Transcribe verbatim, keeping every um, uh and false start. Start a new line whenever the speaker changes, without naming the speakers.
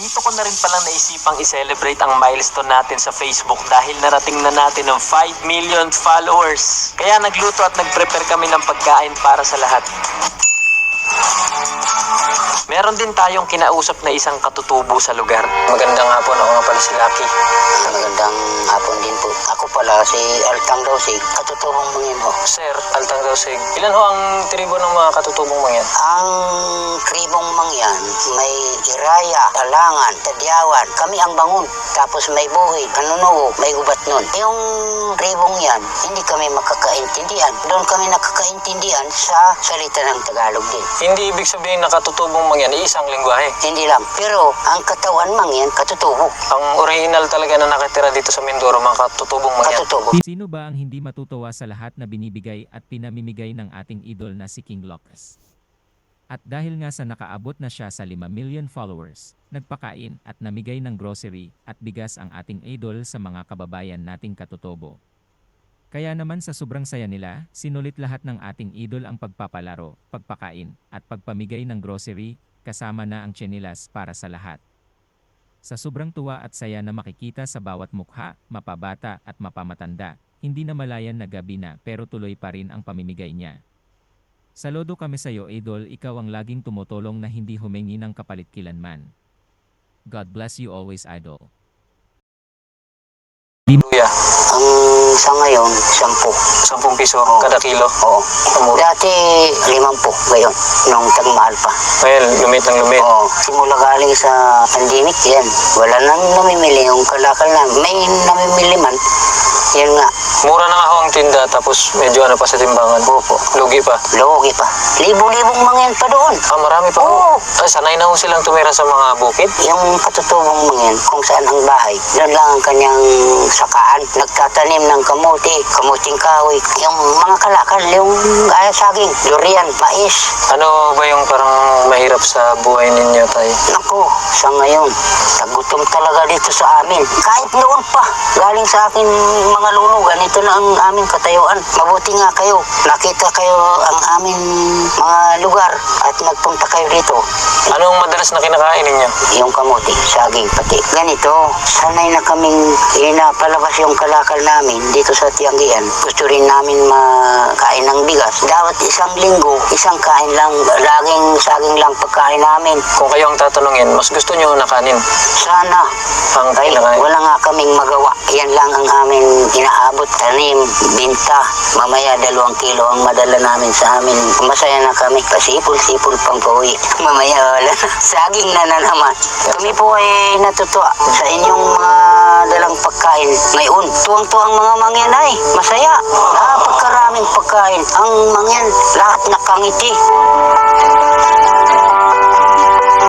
dito ko na rin palang naisipang i-celebrate ang milestone natin sa Facebook dahil narating na natin ng five million followers. Kaya nagluto at nag-prepare kami ng pagkain para sa lahat. Meron din tayong kinausap na isang katutubo sa lugar.
Magandang hapon, ako nga pala si Lucky.
Magandang hapon din po. Ako pala si Altang Dosig, katutubong mangyan ho.
Sir, Altang Dosig, ilan ho ang tribo ng mga katutubong mangyan?
Ang tribong mangyan, may Iraya, Talangan, Tadyawan. Kami ang bangon. Tapos may buhid, kanunuo, may gubat nun. Yung tribong yan, hindi kami makakaintindihan. Doon kami nakakaintindihan sa salita ng Tagalog din.
Hindi ibig sabihin na katutubong mangyan ay isang lingwahe.
Hindi lang. Pero ang katawan mangyan, katutubo.
Ang original talaga na nakatira dito sa Mindoro, mga katutubong mangyan.
Katutubo.
Sino ba ang hindi matutuwa sa lahat na binibigay at pinamimigay ng ating idol na si King Locus? At dahil nga sa nakaabot na siya sa lima million followers, nagpakain at namigay ng grocery at bigas ang ating idol sa mga kababayan nating katutubo. Kaya naman sa sobrang saya nila, sinulit lahat ng ating idol ang pagpapalaro, pagpakain, at pagpamigay ng grocery, kasama na ang tsinelas para sa lahat. Sa sobrang tuwa at saya na makikita sa bawat mukha, mapabata at mapamatanda, hindi na malayan na gabi na pero tuloy pa rin ang pamimigay niya. Saludo kami sa iyo, idol, ikaw ang laging tumutulong na hindi humingi ng kapalit kilanman. God bless you always, idol.
Luya,
Ang sa ngayon, sampu.
sampung piso
Oo.
kada kilo.
Oo.
Mura.
Dati, limampu ngayon, nung tagmahal pa.
Ngayon, lumit ng lumit.
Oo. Simula galing sa pandemic yan. Wala nang namimili yung kalakal na. May namimili man. Yan nga.
Mura na nga ho ang tinda, tapos medyo ano pa sa timbangan.
Opo.
Lugi pa.
Logi pa. Libo-libong mangyan pa doon.
Ah, marami pa ho.
Oo.
Ay, sanay na ho silang tumira sa mga bukid.
Yung katutubong mangyan, kung saan ang bahay, doon lang ang kanyang sakaan. Nagtatanim ng kamuti, kamuting kahoy. Yung mga kalakal, yung uh, saging, durian, mais.
Ano ba yung parang mahirap sa buhay ninyo, tay?
Naku, sa ngayon, tagutom talaga dito sa amin. Kahit noon pa, galing sa akin mga lulugan, ito na ang aming katayuan. Mabuti nga kayo, nakita kayo ang aming mga lugar at nagpunta kayo dito.
Anong madalas na kinakain ninyo?
Yung kamuti, saging, pati. Ganito, sanay na kaming inapalabas yung kalakal namin dito sa Tianggian. Gusto rin namin makain ng bigas. Dapat isang linggo, isang kain lang, laging saging lang pagkain namin.
Kung kayo ang tatanungin, mas gusto nyo na kanin?
Sana,
Ang
ay
kinakain?
wala nga kaming magawa. Yan lang ang aming inaabot, tanim, binta. Mamaya dalawang kilo ang madala namin sa amin. Masaya na kami, pasipol-sipol pang pauwi. Mamaya wala na. Saging na na naman. Kami po ay natutuwa sa inyong mga dalang pagkain ngayon. Tuwang-tuwang mga mangyan ay masaya. Napagkaraming pagkain. Ang mangyan, lahat nakangiti.